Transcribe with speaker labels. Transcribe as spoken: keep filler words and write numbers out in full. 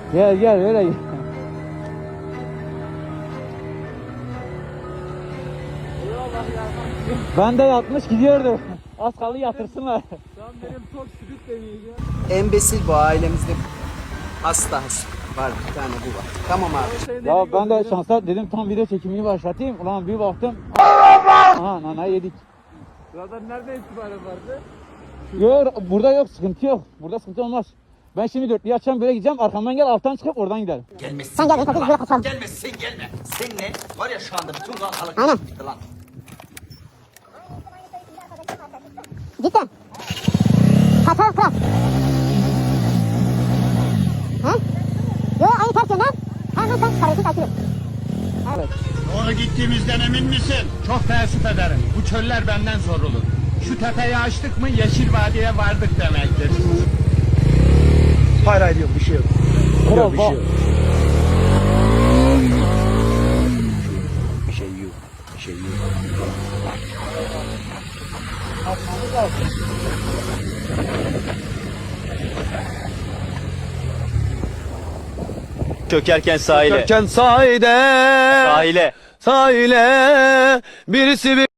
Speaker 1: Gel gel öyle gel. Ben de yatmış gidiyordu. Az kaldı yatırsınlar.
Speaker 2: Şu an benim tok sürüt deneyeceğim.
Speaker 3: Embesil bu ailemizde. Hasta hasta. Var bir tane bu var. Tamam abi.
Speaker 1: Ya ben de şansa dedim tam video çekimini başlatayım. Ulan bir baktım. Aha nana yedik.
Speaker 2: Zaten nereden itibaren vardı?
Speaker 1: Yok burada yok sıkıntı yok. Burada sıkıntı olmaz. Ben şimdi dörtlüyü açacağım böyle gideceğim. Arkamdan gel alttan çıkıp oradan gidelim.
Speaker 4: Gelmesin.
Speaker 5: Sen gel, biz böyle kaçalım.
Speaker 4: Gelmesin gelme. Seninle var ya şu anda bütün kalkalık
Speaker 5: Aynen.
Speaker 4: bitti lan.
Speaker 5: Cidden. Kaçalım kral. He? Yok aynı ters yönden. Hemen sen karısı takip et. Evet.
Speaker 6: Doğru gittiğimizden emin misin? Çok teessüf ederim. Bu çöller benden sorulur. Şu tepeyi açtık mı Yeşil Vadi'ye vardık demektir.
Speaker 7: Hayır hayır yok bir şey yok.
Speaker 1: Kral
Speaker 7: Bir
Speaker 1: bak.
Speaker 7: şey yok. Bir şey yok. Bir şey yok.
Speaker 8: Çökerken sahile.
Speaker 7: Çökerken sahile.
Speaker 8: Sahile.
Speaker 7: Sahile. Birisi bir